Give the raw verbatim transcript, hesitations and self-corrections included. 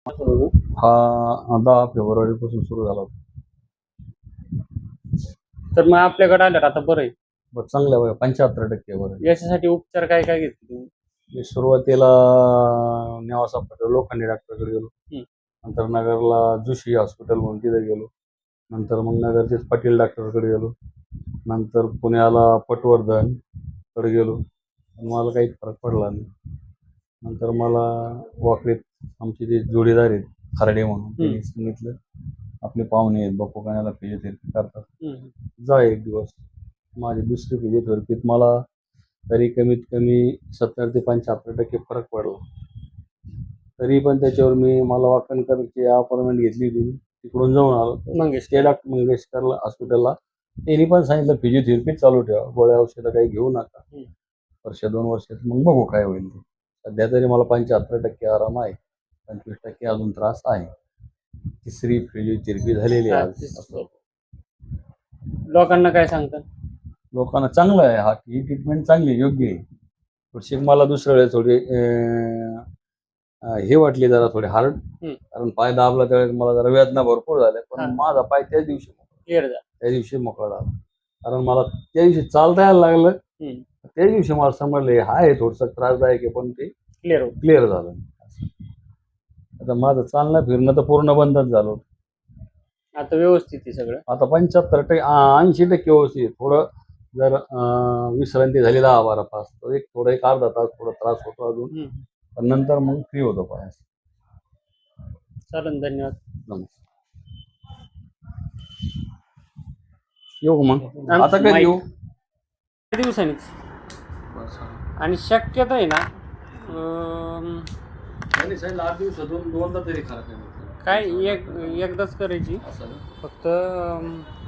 हा दहा फेब्रुवारीपासून सुरू झाला होता. तर मग आपल्याकडे आल्यावर आता बरं आहे. बरं, चांगलं आहे, पंच्याहत्तर टक्के बरं आहे. याच्यासाठी उपचार काय काय घेतले तुम्ही? मी सुरुवातीला नेवासा पटेल लोखंडे डॉक्टरकडे गेलो. हं. नंतर नगरला जोशी हॉस्पिटल म्हणून तिथे गेलो. नंतर मग नगरचेच पाटील डॉक्टरकडे गेलो. नंतर पुण्याला पटवर्धन कडे गेलो. पण मला काही फरक पडला नाही. नंतर मला वाकरीत आमचे जे जोडीदार आहेत खर्डे म्हणून त्यांनी सांगितलं, आपले पाहुणे आहेत बापू फिजिओथेरपी करतात, हं. जा एक दिवस. माझी दुसरी फिजिओथेरपीत मला तरी कमीत कमी सत्तर ते पंच्याहत्तर टक्के फरक पडला. तरी पण त्याच्यावर मी मला वाकणकरची अपॉइंटमेंट घेतली होती, तिकडून जाऊन आलो मंगेश ते डॉक्टर मंगेशकरला हॉस्पिटलला. त्यांनी पण सांगितलं फिजिओथेरपी चालू ठेवा, गोळ्या औषधं काही घेऊ नका, वर्ष दोन वर्षात मग बघू काय होईल ते. सध्या तरी मला पंच्याहत्तर टक्के आराम आहे, पंचवीस टक्के अजून त्रास आहे. तिसरी फिजिओथेरपी झालेली आहे आज. असं लोकांना काय सांगतात? लोकांना चांगलं आहे, हा ही ट्रीटमेंट चांगली योग्य आहे. थोडीशी मला दुसऱ्या वेळेस थोडी हे वाटली जरा थोडी हार्ड, कारण पाय दाबला त्यावेळेस मला जरा वेदना भरपूर झाल्या, पण माझा पाय त्याच दिवशी क्लिअर झाला, त्या दिवशी मोकळा झाला. कारण मला त्या दिवशी चालता यायला लागलं, त्या दिवशी मला समजले हा आहे थोडंसं त्रासदायक आहे, पण ते क्लिअर क्लिअर झालं. आता माझं चालणं फिरणं तर पूर्ण बंदच झालं. आता व्यवस्थित आहे सगळं. आता पंच्याहत्तर टक्के ऐंशी टक्के व्यवस्थित. थोडं जर विश्रांती झाली दहा बारा तास, तर एक थोडं एक अर्धा तास थोडा त्रास होतो अजून, पण नंतर मग फ्री होतो पाय. चालेल, धन्यवाद. नमस्कार. येऊ मग आता काय येऊ दिवसांनीच. आणि शक्यता आहे ना आठ दिवसातून दोनदा तरी खरं काय एक एकदाच करायची फक्त.